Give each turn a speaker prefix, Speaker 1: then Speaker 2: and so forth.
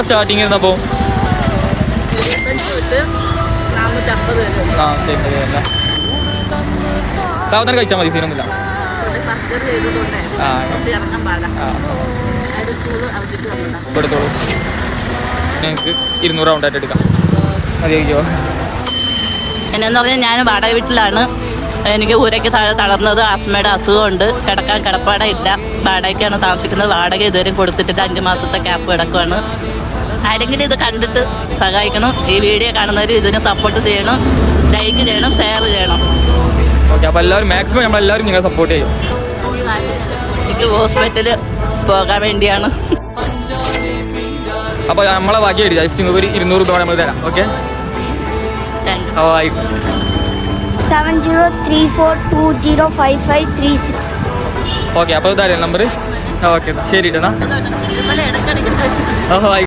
Speaker 1: Starting ഇരുന്നപ്പോൾ സാവധാനം കഴിച്ചാൽ മതി, സീനൊന്നുമില്ല. എടുത്തോളൂ, ഞങ്ങൾക്ക് 200 റൗണ്ടായിട്ട് എടുക്കാം. മതിയോ?
Speaker 2: എന്നു പറഞ്ഞാൽ ഞാൻ വാടക വീട്ടിലാണ്. എനിക്ക് ഊരയ്ക്ക് താഴെ തളർന്നത്, ആസ്മയുടെ അസുഖമുണ്ട്. കിടക്കാൻ കിടപ്പാട ഇല്ല. വാടകയ്ക്കാണ് താമസിക്കുന്നത്. വാടക ഇതുവരെ കൊടുത്തിട്ടില്ല. 5 മാസത്തെ ക്യാപ്പ് കിടക്കുവാണ്. ആരെങ്കിലും ഇത് കണ്ടിട്ട് സഹായിക്കണം. ഈ വീഡിയോ കാണുന്നവർ ഇതിന് സപ്പോർട്ട് ചെയ്യണം, ലൈക്ക് ചെയ്യണം, ഷെയർ ചെയ്യണം.
Speaker 1: ഓക്കെ, അപ്പോൾ എല്ലാവരും മാക്സിമം നമ്മളെല്ലാവരും നിങ്ങളെ സപ്പോർട്ട് ചെയ്യും.
Speaker 2: എനിക്ക് ഹോസ്പിറ്റലിൽ പോകാൻ വേണ്ടിയാണ്.
Speaker 1: അപ്പോൾ നമ്മളെ ബാക്കി ജസ്റ്റ് നിങ്ങൾക്ക് ഒരു 200 രൂപ നമ്മൾ തരാം. ഓക്കെ,
Speaker 3: 7034205536.
Speaker 1: ഓക്കെ, അപ്പോൾ ഇതായാലും നമ്പർ. ഓക്കെ, ശരി. ഇടണം. ഓഹോ.